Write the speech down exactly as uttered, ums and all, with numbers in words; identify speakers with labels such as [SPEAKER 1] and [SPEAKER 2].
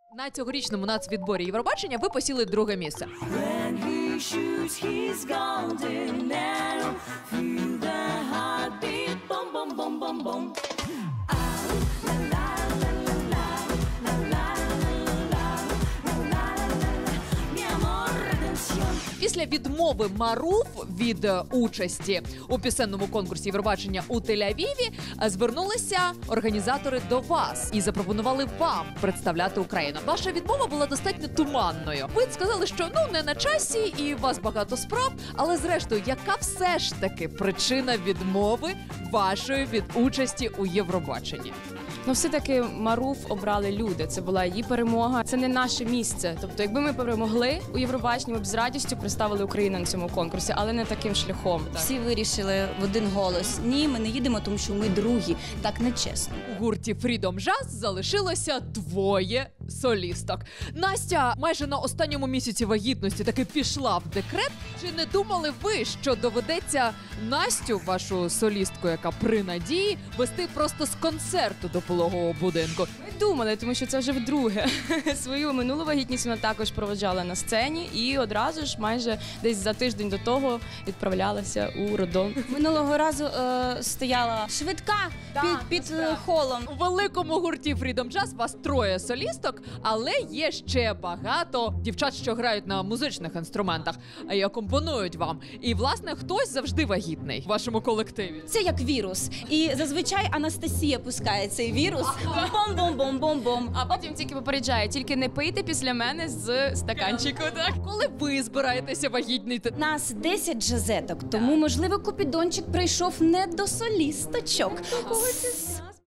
[SPEAKER 1] На цьогорічному нацвідборі Євробачення ви посіли друге місце. Після відмови Маруф від участі у пісенному конкурсі Євробачення у Тель-Авіві звернулися організатори до вас і запропонували вам представляти Україну. Ваша відмова була достатньо туманною. Ви сказали, що ну не на часі і у вас багато справ, але зрештою, яка все ж таки причина відмови вашої від участі у Євробаченні?
[SPEAKER 2] Ну, все-таки Маруф обрали люди. Це була її перемога. Це не наше місце. Тобто, якби ми перемогли у Євробаченні, ми б з радістю представили Україну на цьому конкурсі, але не таким шляхом. Так.
[SPEAKER 3] Всі вирішили в один голос. Ні, ми не їдемо, тому що ми другі. Так не чесно.
[SPEAKER 1] У гурті Freedom Jazz залишилося двоє солісток. Настя майже на останньому місяці вагітності таки пішла в декрет. Чи не думали ви, що доведеться Настю, вашу солістку, яка при надії, вести просто з концерту до пологового будинку?
[SPEAKER 2] Ми думали, тому що це вже вдруге. Свою минулу вагітність вона також проводжала на сцені і одразу ж майже десь за тиждень до того відправлялася у роддом.
[SPEAKER 3] Минулого разу е, стояла швидка
[SPEAKER 2] Да,
[SPEAKER 3] під, під е, холом.
[SPEAKER 1] У великому гурті Freedom Jazz вас троє солісток, але є ще багато дівчат, що грають на музичних інструментах і акомпонують вам. І, власне, хтось завжди вагітний в вашому колективі.
[SPEAKER 3] Це як вірус. І зазвичай Анастасія пускає цей вірус. Бом-бом-бом-бом-бом.
[SPEAKER 2] А потім тільки попереджає, тільки не пийте після мене з стаканчику. Так?
[SPEAKER 1] Коли ви збираєтеся вагітніти?
[SPEAKER 3] Нас десять джазеток, тому, можливо, Купідончик прийшов не до солісточок.